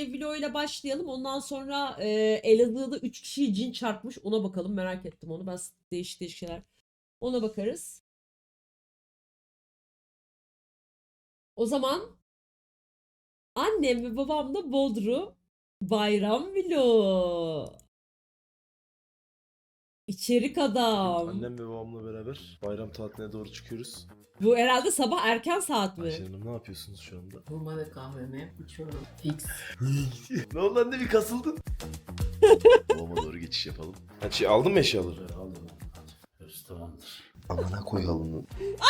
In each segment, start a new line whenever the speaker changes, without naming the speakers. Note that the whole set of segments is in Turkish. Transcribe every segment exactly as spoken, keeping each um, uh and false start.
ev vloguyla başlayalım. Ondan sonra e, Elazığ'da üç kişiyi cin çarpmış. Ona bakalım. Merak ettim onu. Ben değişik değişik şeyler. Ona bakarız. O zaman annem ve babam da Bodrum bayram vlogu. İçerik adam.
Annem ve babamla beraber bayram tatiline doğru çıkıyoruz.
Bu herhalde sabah erken saat mi?
Ayşe Hanım ne yapıyorsunuz şu anda?
Hurma ve kahvemi içiyorum. Fix.
Ne oldu anne bir kasıldın? Babama doğru geçiş yapalım. Ha, şey, aldın mı eşyaları?
Aldım. Hepsi tamamdır.
Amına koyalım.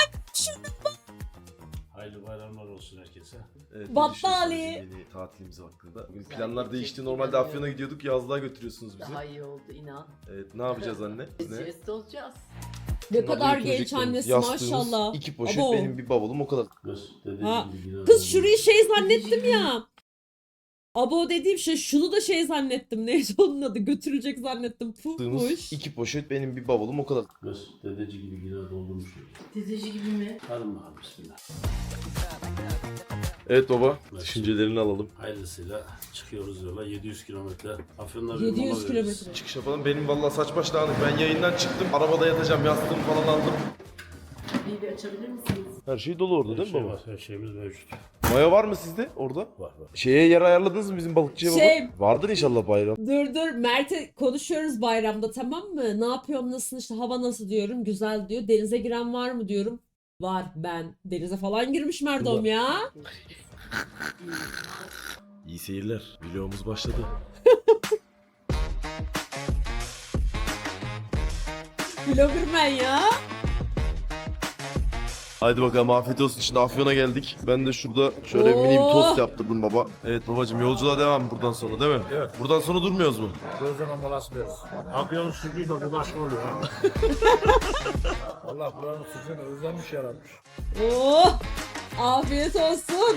Hayırlı bayramlar olsun herkese.
Evet, ne
Battaniye.
düşünüyorsunuz yeni tatilimiz hakkında? Bugün
Güzel
planlar
geçecek,
değişti.
güzel
Normalde Afyon'a
oldu.
gidiyorduk. Yazlığa götürüyorsunuz bizi.
Daha iyi oldu inan.
Evet, ne yapacağız anne?
Biz
Ne?
jest olacağız.
Ne
Şunları
kadar genç
götüreceklerimiz,
annesi
yastığımız,
maşallah.
İki poşet
Abo.
benim bir bavulum o kadar.
Kız
Ha,
dedeciğim gibi
Kız şurayı şey zannettim ya. Abo dediğim şey şunu da şey zannettim. Neyse onun adı götürülecek zannettim.
Yastığımız,
Pufmuş.
iki poşet benim bir bavulum o kadar.
Kız dedeci gibi yine doldurmuş.
Dedeci gibi mi?
Hadi bakalım bismillah.
Evet baba,
Evet.
düşüncelerini alalım.
Hayırlısıyla çıkıyoruz yola yedi yüz kilometre. Afyon'da bir
yedi yüz
mola veririz.
kilometre.
Çıkış yapalım. Benim vallahi saç baş dağınık. Ben yayından çıktım. Arabada yatacağım. Yastığımı falan aldım.
Bir bir açabilir misiniz?
Her şey dolu orada
Her
değil mi
şey
baba?
var, her şeyimiz mevcut.
Maya var mı sizde orada?
Var var.
Şeye yer ayarladınız mı bizim balıkçıya baba?
Şey-
Vardır inşallah bayram.
Dur dur Mert'e konuşuyoruz bayramda tamam mı? Ne yapıyorum nasıl işte hava nasıl diyorum. Güzel diyor. Denize giren var mı diyorum. Var ben. Denize falan girmiş Merdom
Ulan.
ya.
İyi seyirler. Vlogumuz başladı.
Vloggerman ya.
Haydi bakalım afiyet olsun. Şimdi Afyon'a geldik. Ben de şurada şöyle mini bir
Oo.
tost yaptırdım baba. Evet babacığım yolculuğa devam buradan sonra değil mi?
Evet.
Buradan sonra durmuyoruz mu?
Gözleme molası veririz. Afyon sucuğu da bir başka oluyor. ha. Allah buranın sucuğunu özlemiş yaratmış.
Oh. Afiyet olsun.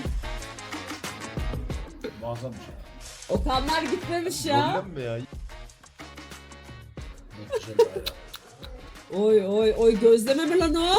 Muazzam bir şey.
Okanlar gitmemiş ya.
Problem mi ya?
Muhteşem bir bayram.
Oy oy oy gözleme mi lan o?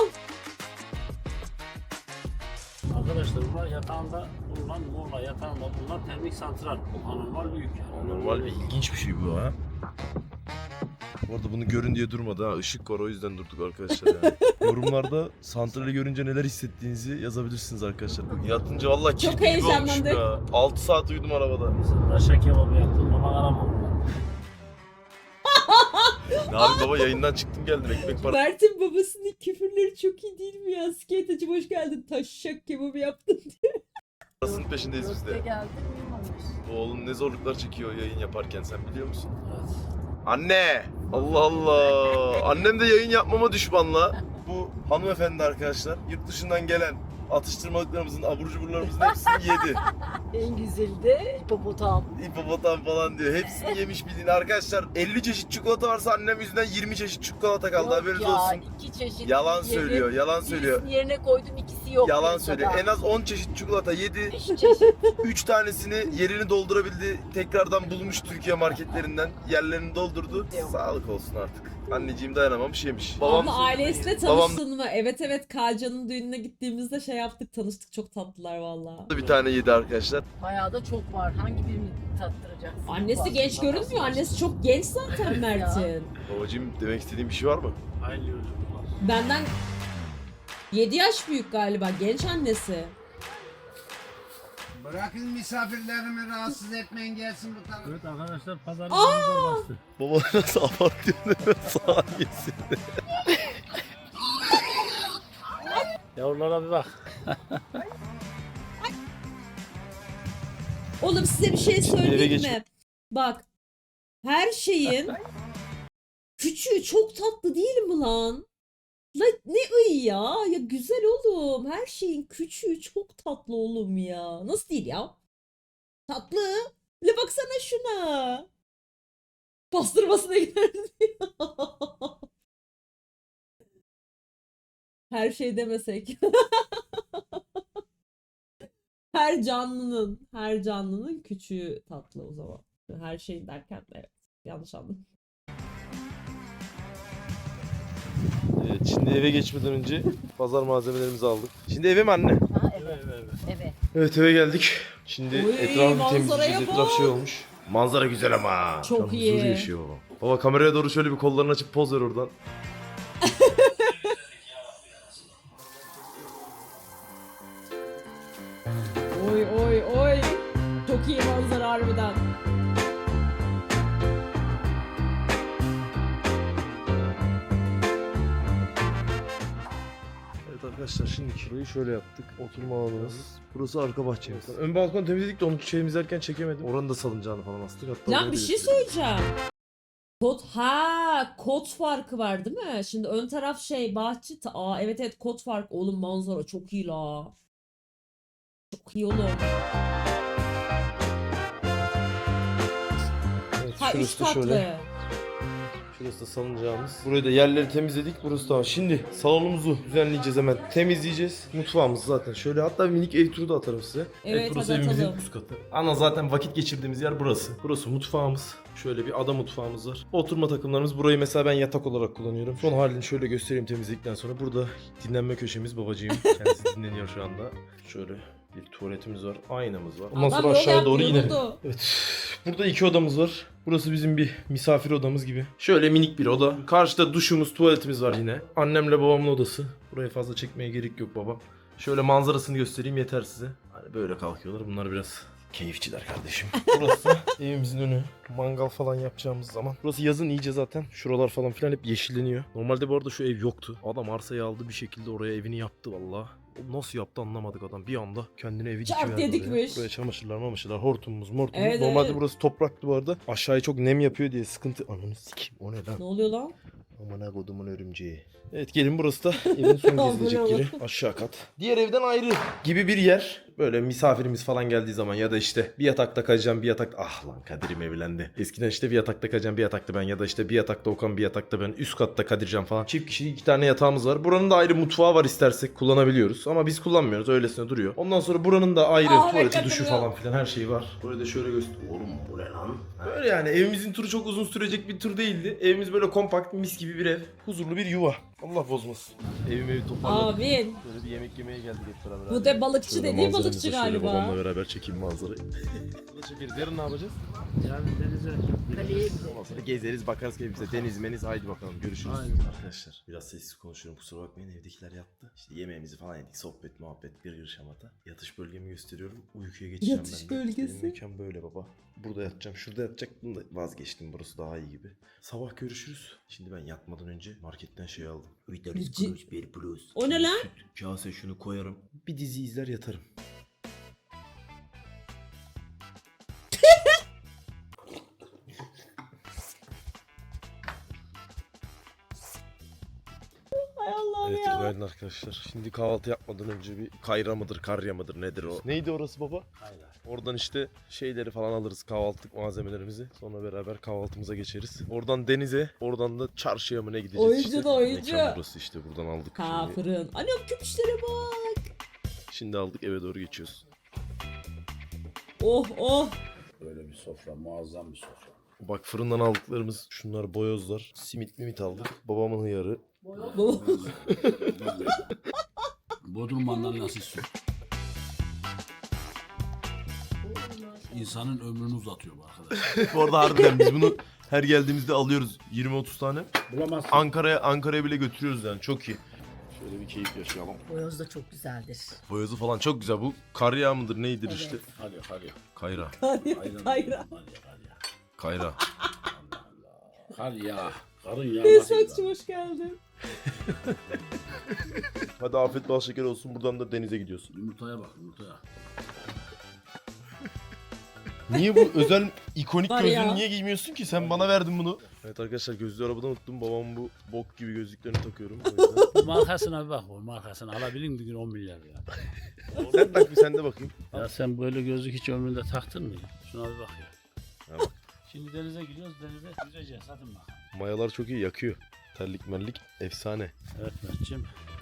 Arkadaşlar bunlar yatağında bulunan Muğla yatağında bulunan termik santral. Anormal büyük yani.
Normal bir ilginç bir şey bu ha. Bu arada bunu görün diye durmadı ha. Işık var o yüzden durduk arkadaşlar yani. Yorumlarda santrali görünce neler hissettiğinizi yazabilirsiniz arkadaşlar. Yatınca vallahi
Çok
kirpi gibi olmuşum
heyecanlandık.
ya. altı saat uyudum arabada.
Taşa kebabı yaptım ama aramam.
Ne abi baba yayından çıktım geldim ekmek parası.
Mert'in babasının küfürleri çok iyi değil mi ya? Skate'cim hoş geldin. Taşşak kebabı yaptın.
Parasının peşindeyiz biz
Gökte
de.
geldi uyumamış.
Oğlum ne zorluklar çekiyor yayın yaparken sen biliyor musun?
Evet.
Anne! Allah Allah! Annem de yayın yapmama düşmanla. Bu hanımefendi arkadaşlar yurt dışından gelen atıştırmalıklarımızın, abur cuburlarımızın hepsini yedi.
En güzeli de hipopotam.
Hipopotam falan diyor. Hepsini yemiş bildiğin arkadaşlar. elli çeşit çikolata varsa annem yüzünden yirmi çeşit çikolata kaldı
Yok
haberiniz
ya,
olsun.
iki çeşit.
Yalan
yedim.
söylüyor, yalan söylüyor.
Birisini yerine koydum ikisi yok.
Yalan
piyasada.
söylüyor. En az on çeşit çikolata yedi.
Beş çeşit.
üç tanesini yerini doldurabildi. Tekrardan bulmuş Türkiye marketlerinden. Yerlerini doldurdu.
Yok.
Sağlık olsun artık. Anneciğim dayanamamış yemiş. Babam
Abla ailesiyle
Babam-
tanıştın mı? Evet evet Kalcan'ın düğününe gittiğimizde şey yaptık tanıştık. Çok tatlılar valla.
da bir tane yedi arkadaşlar.
Bayağı da çok var. Hangi birini tattıracaksın?
Annesi
Var.
genç görünmüyor. Annesi çok genç zaten
Ya.
Mert'in.
Babacığım demek istediğin bir şey var mı?
Hayırlı yolculuklar.
Benden yedi yaş büyük galiba. Genç annesi.
Bırakın misafirlerimi rahatsız etmeyin gelsin bu tarafa.
Evet arkadaşlar pazarımızda bastı.
Baba nasıl abartıyorsun saniyesinde.
Yavrulara bir bak.
Oğlum size bir şey
eve
söyleyeyim
geç-
mi? Bak. Her şeyin küçüğü çok tatlı değil mi lan? La ne iyi ya? Ya güzel oğlum. Her şeyin küçüğü çok tatlı oğlum ya. Nasıl değil ya? Tatlı. La baksana şuna. Pastırmasına giderdi ya. Her şey demesek. Her canlının, her canlının küçüğü tatlı o zaman. Her şey derken evet. Yanlış anladım.
Evet şimdi eve geçmeden önce pazar malzemelerimizi aldık. Şimdi eve mi anne?
Ha, evet.
eve eve eve.
Evet.
Evet eve geldik. Şimdi
Oy,
etrafı
manzaraya
temizleyeceğiz. Etraf şey
bak.
olmuş. Manzara güzel ama.
Çok
Tam
iyi.
huzur yaşıyor baba. Baba kameraya doğru şöyle bir kollarını açıp poz ver oradan.
Oy oy oy. Çok iyi manzara harbiden.
Evet arkadaşlar şimdi burayı şöyle yaptık. Oturma alanımız. Burası arka bahçemiz. Ön balkonu temizledik de onu şeyimiz erken çekemedim. Oranın da salıncağını falan astık. Hatta
Lan
oraya
bir
da
şey
göstereyim.
söyleyeceğim. Kod ha kod farkı var değil mi? Şimdi ön taraf şey bahçe. ta- Aa evet evet kod farkı. Oğlum manzara çok iyi la. Çok iyi oğlum.
Evet,
Ha üç
şurası da
katlı.
şöyle. Şurası da salıncağımız. Burayı da yerleri temizledik. Burası tamam. Şimdi salonumuzu düzenleyeceğiz hemen. Temizleyeceğiz. Mutfağımız zaten. Şöyle hatta bir minik ev turu da atarım size.
Evet,
burası
hadi
evimizin
atalım.
üst katı. Ana zaten vakit geçirdiğimiz yer burası. Burası mutfağımız. Şöyle bir ada mutfağımız var. Oturma takımlarımız. Burayı mesela ben yatak olarak kullanıyorum. Son halini şöyle göstereyim temizledikten sonra. Burada dinlenme köşemiz babacığım. Kendisi dinleniyor şu anda. Şöyle bir tuvaletimiz var. Aynamız var. Ondan
Adam
sonra
yol
aşağıya
yaptı,
doğru inelim.
yoruldu.
Evet. Burada iki odamız var. Burası bizim bir misafir odamız gibi. Şöyle minik bir oda. Karşıda duşumuz, tuvaletimiz var yine. Annemle babamın odası. Buraya fazla çekmeye gerek yok baba. Şöyle manzarasını göstereyim yeter size. Hani böyle kalkıyorlar. Bunlar biraz keyifçiler kardeşim. Burası evimizin önü. Mangal falan yapacağımız zaman. Burası yazın iyice zaten. Şuralar falan filan hep yeşilleniyor. Normalde bu arada şu ev yoktu. Adam arsayı aldı bir şekilde oraya evini yaptı valla. Nasıl yaptı anlamadık adam. Bir anda kendine evi
Çarp
dikiverdi
diye
oraya.
dikmiş.
Buraya çamaşırlar mamaşırlar, hortumumuz mortumuz.
Evet,
Normalde
evet.
burası topraktı bu arada. Aşağıya çok nem yapıyor diye sıkıntı. Ananı sikeyim o ne lan?
Ne oluyor lan?
Amına kodumun örümceği. Evet gelin burası da evin son
Amına
gezilecek
kodum.
yeri. Aşağı kat. Diğer evden ayrı gibi bir yer. Böyle misafirimiz falan geldiği zaman ya da işte bir yatakta kalacağım bir yatakta. Ah lan Kadir'im evlendi. Eskiden işte bir yatakta kalacağım bir yatakta ben ya da işte bir yatakta Okan bir yatakta ben. Üst katta Kadircan falan. Çift kişilik iki tane yatağımız var. Buranın da ayrı mutfağı var istersek kullanabiliyoruz. Ama biz kullanmıyoruz öylesine duruyor. Ondan sonra buranın da ayrı
Aa,
tuvaleti
evet,
duşu
duruyor.
falan filan her şeyi var. Burayı da şöyle göster. Oğlum bu ne lan? Böyle yani evimizin turu çok uzun sürecek bir tur değildi. Evimiz böyle kompakt mis gibi bir ev. Huzurlu bir yuva. Allah bozmasın. Evimi evi toparladık.
Amin.
Böyle bir yemek yemeye geldik hep beraber.
Bu de balıkçı
Şöyle
dediği
manzaramızı
balıkçı
şöyle
galiba.
babamla beraber çekeyim manzarayı. Burada çekeriz. Yarın ne yapacağız?
Yani denize
Kaleye
Ondan sonra gezeriz bakarız keyfimize. Deniz meniz haydi bakalım görüşürüz.
Aynen.
Arkadaşlar biraz sessiz konuşuyorum kusura bakmayın evdekiler yattı. İşte yemeğimizi falan yedik sohbet muhabbet bir gır şamata. Yatış bölgemi gösteriyorum uykuya geçeceğim
Yatış
ben de.
bölgesi.
Benim mekan böyle baba. Burada yatacağım şurada yatacaktım da vazgeçtim burası daha iyi gibi. Sabah görüşürüz. Şimdi ben yatmadan önce marketten şey aldım. Vitalis
Ci-
Plus, bir Plus.
O ne lan?
Süt, kase şunu koyarım. Bir dizi izler yatarım.
Ay Allah'ım
Evet
ya.
günaydın arkadaşlar. Şimdi kahvaltı yapmadan önce bir kayra mıdır karya mıdır nedir o? Neydi orası baba?
Hayır.
Oradan işte şeyleri falan alırız kahvaltılık malzemelerimizi. Sonra beraber kahvaltımıza geçeriz. Oradan denize, oradan da çarşıya mı ne gideceğiz
Oyuncu
işte.
da oyuncu.
Mekan burası işte buradan aldık.
Ha
Şimdi,
fırın. Anam köpüşlere bak.
şimdi aldık eve doğru geçiyoruz.
Oh oh.
Böyle bir sofra, muazzam bir sofra.
Bak fırından aldıklarımız şunlar boyozlar. Simit mimit aldık. Babamın hıyarı.
Bu-
Bodrum mandalinası su. İnsanın ömrünü uzatıyor bu arkadaş.
Bu arada harbiden biz bunu her geldiğimizde alıyoruz yirmi otuz tane.
Bulamazsın.
Ankara'ya Ankara'ya bile götürüyoruz yani çok iyi. Şöyle bir keyif yaşayalım.
Boyoz da çok güzeldir.
Boyozu falan çok güzel. Bu kar yağı mıdır neydir
Evet.
işte.
Hadi hadi.
Kayra.
Hayır,
Aynen.
hayır.
Hadi hadi.
Kayra.
Kar ya. Karın ya.
Esatçım hoş geldin.
Hadi afiyet bal şeker olsun. Buradan da denize gidiyorsun.
Yumurtaya bak yumurtaya.
Niye bu özel ikonik
Var
gözlüğünü
ya.
niye giymiyorsun ki? Sen bana verdin bunu. Evet arkadaşlar gözlüğü arabada unuttum. Babamın bu bok gibi gözlüklerini takıyorum. O yüzden.
Markasına bir bak o markasına. Alabilin bir gün on milyar ya.
Sen tak bir sen de bakayım.
Ya sen böyle gözlük hiç ömründe taktın mı? Şuna bir bak ya.
Ha bak.
Şimdi denize gidiyoruz denize yüzeceğiz hadi bakalım.
Mayalar çok iyi yakıyor. Terlik merlik efsane.
Evet Mert'ciğim.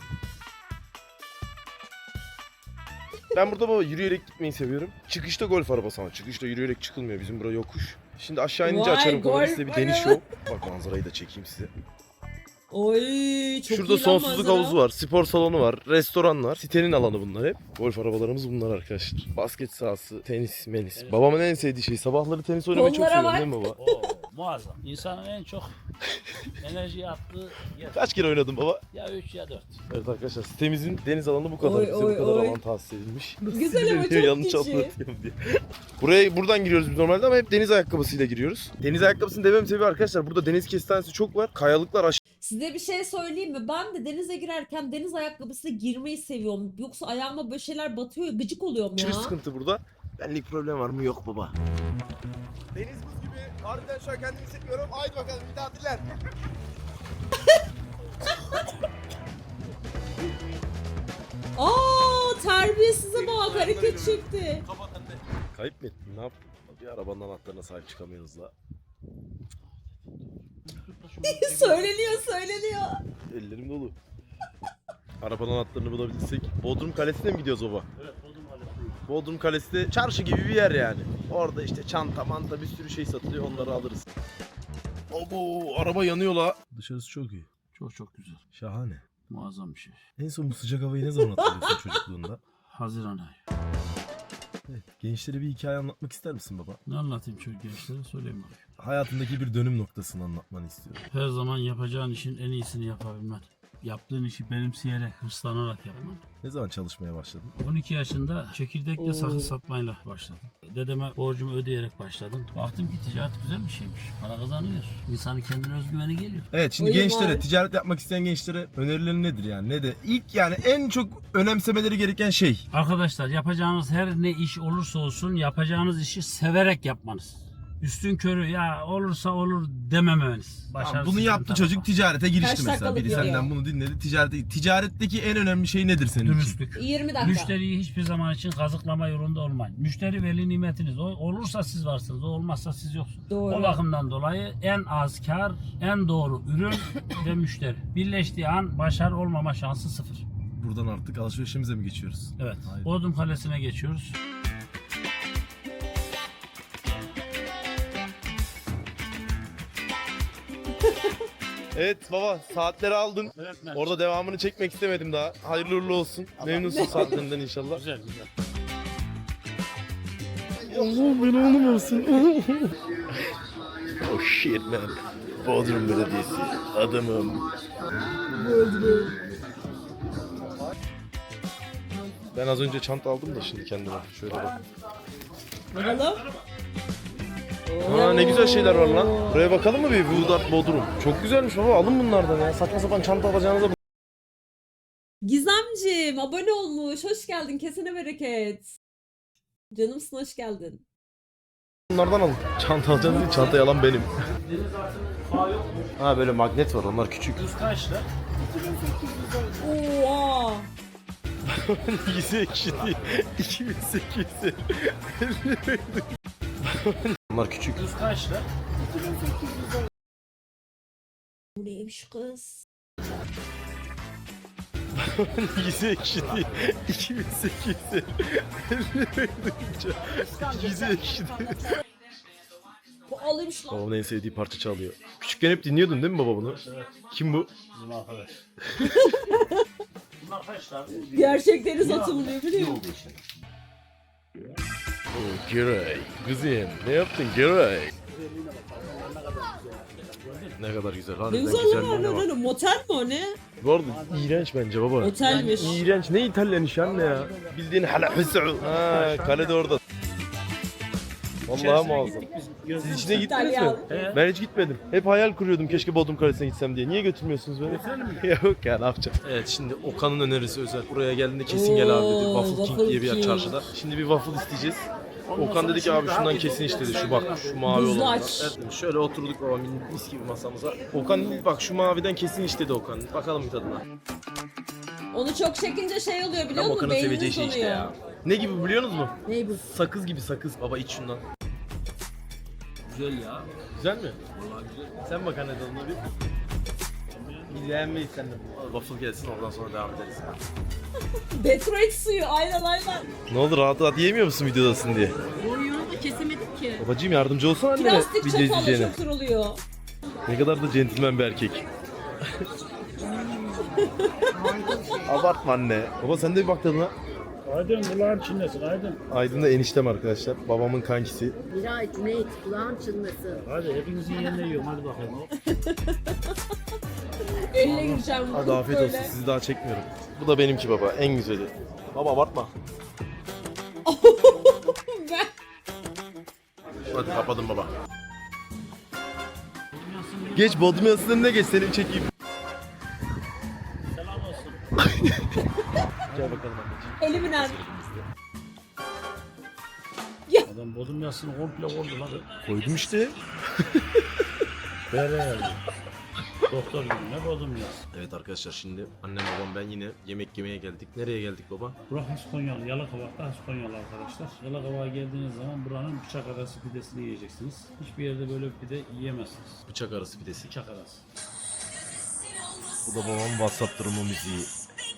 Ben burada baba yürüyerek gitmeyi seviyorum. Çıkışta golf arabası ama çıkışta yürüyerek çıkılmıyor. Bizim bura yokuş. Şimdi aşağı inince
Vay,
açarım kamerayı
golf
size bir deniz
araba.
show. Bak manzarayı da çekeyim size.
Oy çok
Şurada
iyi lan
sonsuzluk
manzara.
havuzu var, spor salonu var, restoran var. Sitenin alanı bunlar hep. Golf arabalarımız bunlar arkadaşlar. Basket sahası, tenis, menis.
Evet.
Babamın en sevdiği şey. Sabahları tenis oynamayı çok
Kollara
seviyorum değil mi baba?
Oo, muazzam. İnsanın en çok enerji attığı yer.
Kaç kere oynadın baba?
Ya üç ya dört.
Evet arkadaşlar sitemizin deniz alanı bu kadar.
Oy,
Bize
oy,
bu kadar
oy.
alan tahsis edilmiş.
Güzel ama
Sinirleniyor,
çok
yanlış
küçük.
anlatıyorum diye. Buraya buradan giriyoruz biz normalde ama hep deniz ayakkabısıyla giriyoruz. Deniz ayakkabısını dememin sebebi arkadaşlar burada deniz kestanesi çok var. Kayalıklar aşırı
Size bir şey söyleyeyim mi? Ben de denize girerken deniz ayakkabısıyla girmeyi seviyorum. Yoksa ayağıma böyle şeyler batıyor ya, gıcık oluyorum ya.
sıkıntı burada. Benlik problem var mı? Yok baba. Deniz buz gibi. Harbiden şu an kendimi hissetmiyorum. Haydi bakalım bir daha diller.
Aa terbiyesize bak hareket çekti.
Kayıp mı ettin? Ne yaptın? Bir arabanın anahtarına sahip çıkamıyoruz la.
söyleniyor söyleniyor.
Ellerim dolu. Arabanın anahtarını bulabilirsek. Bodrum Kalesi'ne mi gidiyoruz baba?
Evet, Bodrum Kalesi.
Bodrum Kalesi de çarşı gibi bir yer yani. Orada işte çanta manta bir sürü şey satılıyor, onları alırız. Abo araba yanıyor la. Dışarısı çok iyi.
Çok çok güzel.
Şahane.
Muazzam bir şey.
En son bu sıcak havayı ne zaman hatırlıyorsun çocukluğunda?
Haziran ayı.
Evet, gençlere bir hikaye anlatmak ister misin baba?
Ne anlatayım çocuk gençlere söyleyeyim bakayım.
Hayatındaki bir dönüm noktasını anlatmanı istiyorum.
Her zaman yapacağın işin en iyisini yapabilmen. Yaptığın işi benimseyerek, hırslanarak yapman.
Ne zaman çalışmaya başladın?
on iki yaşında çekirdekle
Oo.
sakız satmayla başladım. Dedeme borcumu ödeyerek başladım. Baktım ki ticaret güzel bir şeymiş. Para kazanıyor. İnsanın kendine özgüveni geliyor.
Evet şimdi
Oyun
gençlere,
var.
ticaret yapmak isteyen gençlere önerilerin nedir yani? Ne de ilk yani en çok önemsemeleri gereken şey.
Arkadaşlar yapacağınız her ne iş olursa olsun yapacağınız işi severek yapmanız. Üstün körü ya olursa olur dememeniz.
Tamam,
Başarısız
bunu yaptı
bir
çocuk
tarafa.
ticarete girişti
Kaç
mesela.
dakikalık
Biri
video?
senden bunu dinledi. Ticarete, ticaretteki en önemli şey nedir senin için?
Dürüstlük.
yirmi dakika.
Müşteriyi hiçbir zaman için kazıklama yolunda olmayın. Müşteri veli nimetiniz. O olursa siz varsınız, o olmazsa siz yoksunuz.
Doğru.
O bakımdan dolayı en az kar, en doğru ürün ve müşteri. Birleştiği an başarı olmama şansı sıfır.
Buradan artık alışverişimize mi geçiyoruz?
Evet.
Haydi.
Bodrum Kalesi'ne geçiyoruz.
Evet baba saatleri aldın.
Evet, evet.
Orada devamını çekmek istemedim daha. Hayırlı uğurlu olsun. Memnunsun saatlerinden inşallah.
Güzel güzel.
Allah beni oğlum olsun. Oh shit man. Bodrum Belediyesi. Adamım. Ben az önce çanta aldım da şimdi kendime. Şöyle bak.
Bakalım.
Aa ne güzel şeyler var lan. Buraya bakalım mı bir? Vudat Bodrum. Çok güzelmiş baba. Alın bunlardan ya. Saçma sapan çanta alacağınıza
Gizemcim abone olmuş. Hoş geldin. Kesene bereket. Canımsın hoş geldin.
bunlardan alın. Çanta alacağınız değil. Çanta yalan benim. Ha böyle magnet var. Onlar küçük.
Kız kaçtı?
Oha.
Yüzü ekşi değil. iki bin sekiz yüz. Onlar küçük.
Kız kaçtı?
Bu neymiş kız?
Yüzü ekşi değil. iki bin sekiz yüz. Yüzü ekşi değil.
Bu alıymış lan.
Babamın en sevdiği parça çalıyor. Küçükken hep dinliyordun değil mi baba bunu?
Evet.
Kim bu?
Bizim arkadaş. Bunlar kaçlar?
Gerçek deniz atımlıyor biliyor musun?
Oh, Giray. Kızım ne yaptın Giray? Ne kadar güzel.
Ne
Harbiden
güzel lan
güzelliğine
lan
bak.
lan. Motel mi o ne?
Bu arada iğrenç bence baba.
Otelmiş.
İğrenç. Ne İtalyan işi anne ya? Bildiğin hala hüsü. Ha, kale de orada. Vallahi muazzam. Siz içine gittiniz mi?
İtalyan.
Ben hiç gitmedim. Hep hayal kuruyordum keşke Bodrum Kalesi'ne gitsem diye. Niye götürmüyorsunuz beni? Yok ya ne yapacağım? Evet şimdi Okan'ın önerisi özel. Buraya geldiğinde kesin gel abi dedi.
Oo,
Waffle King
Waffle
diye bir yer
King.
çarşıda. Şimdi bir waffle isteyeceğiz. Okan dedi ki abi şundan kesin iç dedi. Şu bak şu mavi
Buzlu
olandan.
aç.
Evet, şöyle oturduk baba mis gibi masamıza. Okan dedi bak şu maviden kesin iç dedi Okan. Bakalım bir tadına.
Onu çok çekince şey oluyor biliyor
Tam
musun?
Okan'ın seveceği
Beyniniz
şey işte
donuyor.
ya. Ne gibi biliyor musunuz mu?
Ney bu?
Sakız gibi sakız. Baba iç şundan.
Güzel ya.
Güzel mi? Vallahi güzel. Sen bak anne tadına bir. Bir beğenmeyiz sen de. Waffle gelsin ondan sonra devam ederiz.
Detroit suyu aynen aynen.
Ne oldu rahat rahat yiyemiyor musun videodasın diye?
Boyunu da kesemedik ki.
Babacığım yardımcı olsana annene
Plastik
video
çatalla
izleyeceğine.
çok kırılıyor.
Ne kadar da centilmen bir erkek. Abartma anne. Baba sen de bir bak tadına.
Aydın kulağın çinlesin Aydın.
Aydın da eniştem arkadaşlar. Babamın kankisi.
Miray, Cüneyt, kulağın çınlasın.
Hadi hepinizin yerine yiyorum hadi bakayım.
Eline gireceğim.
Hadi afiyet olsun, sizi daha çekmiyorum. Bu da benimki baba, en güzeli. Baba abartma.
Ben...
Hadi kapadım baba. Geç Bodrum Yası'nın ne geç seni çekeyim.
Selam olsun.
Gel bakalım anneciğim.
Elimin az.
Adam bodrum yasını komple vurdu lan.
Koydum işte.
Bere yani. Doktor gibi ne bodrum yası.
Evet arkadaşlar, şimdi annem babam ben yine yemek yemeye geldik. Nereye geldik baba?
Burası Haskonyalı, Yalıkavak'ta Haskonyalı arkadaşlar. Yalıkavak'a geldiğiniz zaman buranın bıçak arası pidesini yiyeceksiniz. Hiçbir yerde böyle bir pide yiyemezsiniz.
Bıçak arası pidesi.
Bıçak arası.
Bu da babamın WhatsApp durumu müziği.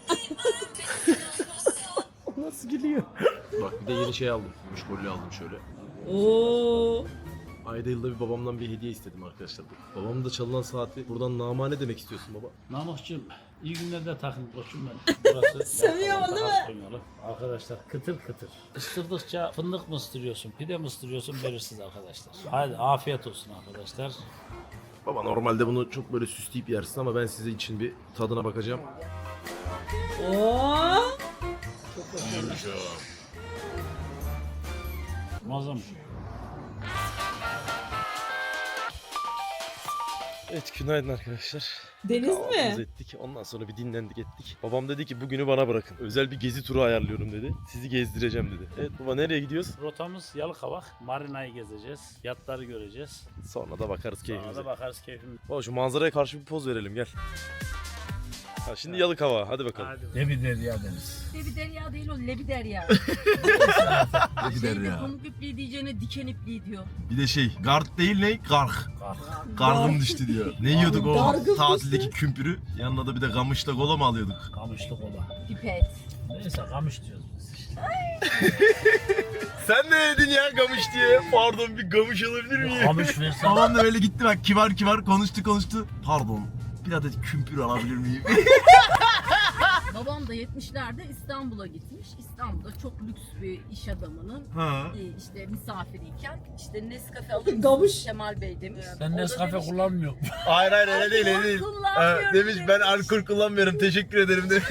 Nasıl gülüyor? Bak bir de yeni şey aldım. Müşkolü aldım şöyle.
Oo.
Ayda yılda bir babamdan bir hediye istedim arkadaşlar. Babamın da çalınan saati buradan namane demek istiyorsun baba.
Namıkçığım, iyi günlerde takın koçum ben. Burası
Seviyor
Yalıkavak'ta
değil mi?
Haskonyalı. Arkadaşlar kıtır kıtır. Isırdıkça fındık mı ısırıyorsun, pide mi ısırıyorsun belirsiz arkadaşlar. Hadi afiyet olsun arkadaşlar.
Baba normalde bunu çok böyle süsleyip yersin ama ben size için bir tadına bakacağım.
Oo.
Muazzam.
Evet, günaydın arkadaşlar.
Deniz
Kahvaltımızı
mi?
ettik. Ondan sonra bir dinlendik ettik. Babam dedi ki bugünü bana bırakın. Özel bir gezi turu ayarlıyorum dedi. Sizi gezdireceğim dedi. Evet baba, nereye gidiyoruz?
Rotamız Yalıkavak. Marina'yı gezeceğiz. Yatları göreceğiz.
Sonra da bakarız
Sonra
keyfimize.
da bakarız keyfimize.
Baba şu manzaraya karşı bir poz verelim gel. Ha, şimdi Yalıkavak, hadi bakalım.
Ne bir derya deniz.
Lebi derya değil o, lebi derya.
Hadi
Şeyde pamuk ipliği diyeceğine diken ipliği diyor.
Bir de şey, gard değil ne? Garg.
Kalk.
Gargım düştü diyor. Ne yiyorduk o
Gargım
tatildeki kümpürü? Yanına da bir de gamışla kola mı alıyorduk?
Kamışlı kola.
Pipet.
Neyse kamış diyoruz biz işte.
Sen ne yedin ya gamış diye? Pardon, bir gamış alabilir miyim?
Kamış versen.
Babam da böyle gitti bak, kibar kibar konuştu konuştu. Pardon, bir adet kümpür alabilir miyim?
Babam da yetmişlerde İstanbul'a gitmiş. İstanbul'da çok lüks bir iş adamının
Ha.
e, işte misafiriyken işte Nescafe alır mısınız
Gamış.
Kemal Bey demiş.
Sen
O da
Nescafe
demiş ki,
kullanmıyor.
Hayır hayır öyle değil öyle değil.
Kullanmıyorum
Ha, demiş ben
demiş.
alkol kullanmıyorum, teşekkür ederim demiş.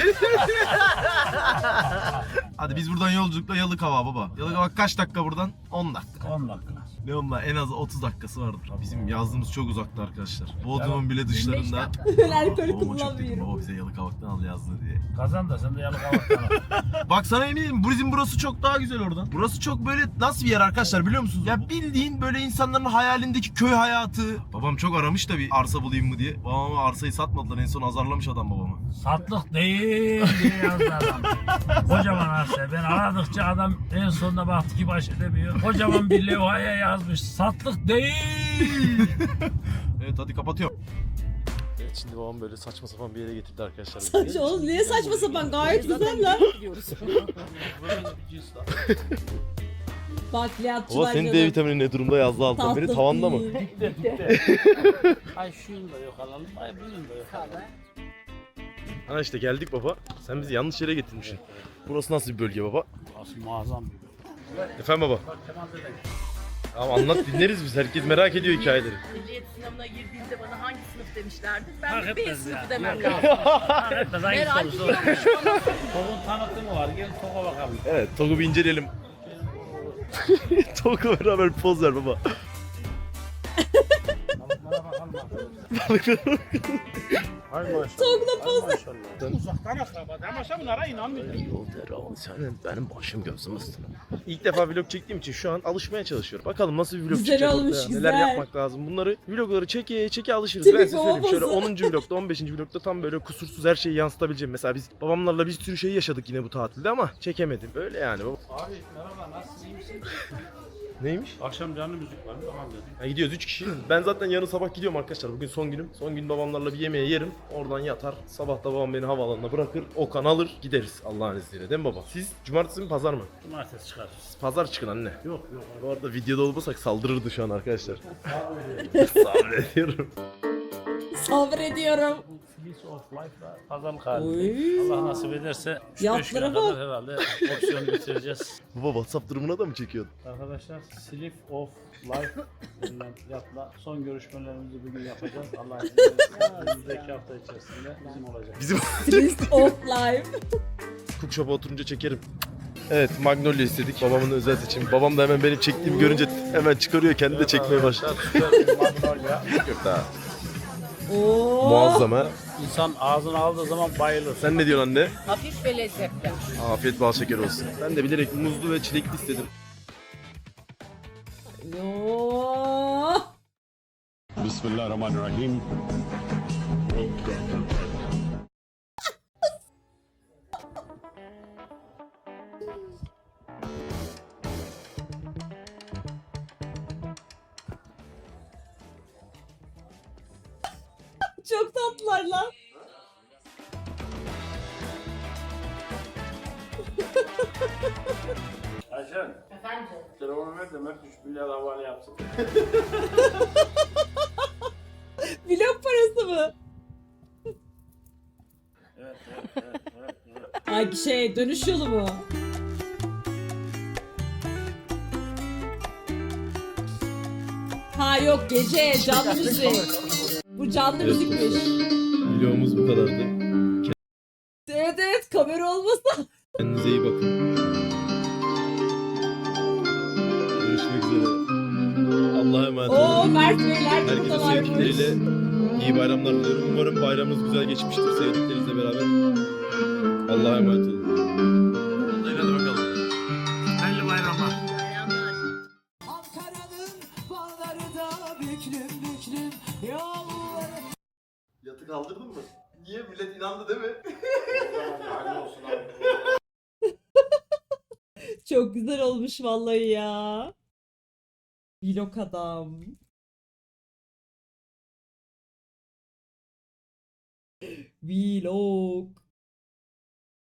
Hadi biz buradan yolculukla Yalıkavak baba. Yalıkavak kaç dakika buradan? on dakika.
on dakika.
Ne onunla en az otuz dakikası vardır. Bizim yazdığımız çok uzakta arkadaşlar. Bodrum'un bile
yirmi beş
dışlarında.
dakika.
Ben alkol
Babama çok dedim,
kullanmıyorum.
baba bize Yalıkavak'tan al yazdı diye.
Kazan da sen de Yalıkavak'tan al.
Bak sana eminim bizim burası çok daha güzel oradan. Burası çok böyle nasıl bir yer arkadaşlar biliyor musunuz? Ya bildiğin böyle insanların hayalindeki köy hayatı. Babam çok aramış da bir arsa bulayım mı diye. Babama arsayı satmadılar, en son azarlamış adam babamı.
Satlık değil diye yazdı adam. Kocaman arsa. Ben aradıkça adam en sonunda baktı ki baş edemiyor. Kocaman bir levhaya yazmış. Satlık değil.
Evet hadi kapatıyorum. Evet şimdi babam böyle saçma sapan bir yere getirdi arkadaşlar.
Saçma oğlum, niye saçma sapan, gayet güzel lan.
Gidiyoruz.
Bakliyatçılar
Baba senin D vitamini ne durumda yazdı alttan beri,
Tatlı
tavanda mı?
değil.
Ay şuyun da yok alalım. Ay bunun da yok alalım.
Ha işte geldik baba. Sen bizi yanlış yere getirmişsin. Burası nasıl bir bölge baba?
Burası muazzam bir bölge.
Efendim baba.
Bak Kemal dede.
Tamam anlat, dinleriz biz. Herkes merak ediyor hikayeleri.
Ehliyet sınavına girdiğinde bana hangi sınıf demişlerdi? Ben
Fark
de B
etmez
sınıfı
ya.
demem
Yok,
lazım.
Fark etmez hangi
Merak
sorusu.
ediyormuş bana.
Tokun tanıtımı var. Gel Tok'a bakalım.
Evet, Tog'u bir inceleyelim. Tog'la beraber poz ver baba.
Balıklara bakalım arkadaşlar. Hay maşallah.
Tok'la poz ver.
Uzaktan akraba. Ama bunlara inanmıyorum.
Senin benim başım gözüm üstüne. İlk defa vlog çektiğim için şu an alışmaya çalışıyorum. Bakalım nasıl bir vlog
Güzel
çıkacak
olmuş,
ortaya.
güzel.
Neler yapmak lazım. Bunları vlogları çeke çeke alışırız.
Tipik
Ben size söyleyeyim.
baba
Şöyle
pozu.
onuncu vlogda on beşinci vlogda tam böyle kusursuz her şeyi yansıtabileceğim. Mesela biz babamlarla bir sürü şey yaşadık yine bu tatilde ama çekemedim. Böyle yani.
Abi merhaba nasılsın? İyi misin?
Neymiş?
Akşam canlı müzik var mı? Tamam dedim.
Ha, gidiyoruz üç kişi. Ben zaten yarın sabah gidiyorum arkadaşlar. Bugün son günüm. Son gün babamlarla bir yemeğe yerim. Oradan yatar. Sabah da babam beni havaalanına bırakır. Okan alır. Gideriz Allah'ın izniyle. Değil mi baba? Siz cumartesi mi pazar mı?
Cumartesi çıkarız.
Pazar çıkın anne.
Yok yok.
Bu arada videoda olmasak saldırırdı şu an arkadaşlar. Sabrediyorum.
Sabrediyorum.
of Life'la pazarlık halinde.
Oy.
Allah nasip ederse üç beş
Yatlara
güne
bak.
kadar herhalde opsiyonu bitireceğiz.
Baba WhatsApp durumuna da mı çekiyordun?
Arkadaşlar Slip of Life denilen yatla son görüşmelerimizi bugün yapacağız. Allah izin verirse önümüzdeki hafta içerisinde bizim olacak.
Bizim
List of life.
Cookshop'a oturunca çekerim. Evet, Magnolia istedik. Babamın özel seçimi. Babam da hemen benim çektiğimi görünce hemen çıkarıyor, kendi de çekmeye başladı.
Süper bir Magnolia.
Yok daha.
Oo.
Muazzam ha.
İnsan ağzına aldığı zaman bayılır.
Sen ne diyorsun anne?
Hafif ve lezzetli.
Afiyet bal şeker olsun. Ben de bilerek muzlu ve çilekli istedim.
Yo.
Bismillahirrahmanirrahim.
Çok tatlılar lan.
Ayşen,
Efendim?
telefonu ver de Mert üç milyar havale yapsın.
Vlog parası mı?
Evet, evet, evet, evet, evet.
Ay şey dönüş yolu mu? Ha yok gece canlı müzik. Bu canlı
Evet.
müzikmiş.
Videomuz bu kadardı.
Evet evet kamera olmasa.
Kendinize iyi bakın. Görüşmek üzere. Allah'a emanet olun.
Oo Mert Beyler de
Herkese
buradalarmış.
sevdikleriyle iyi bayramlar diliyorum. Umarım bayramınız güzel geçmiştir sevdiklerinizle beraber. Allah'a emanet olun. Hadi bakalım.
Hayırlı bayramlar.
Bayramlar.
Ankara'nın bağları da büklüm büklüm yolları.
Yatı kaldırdın mı? Niye? Millet inandı değil mi?
Çok güzel olmuş vallahi ya. Vlog adam. Vlog.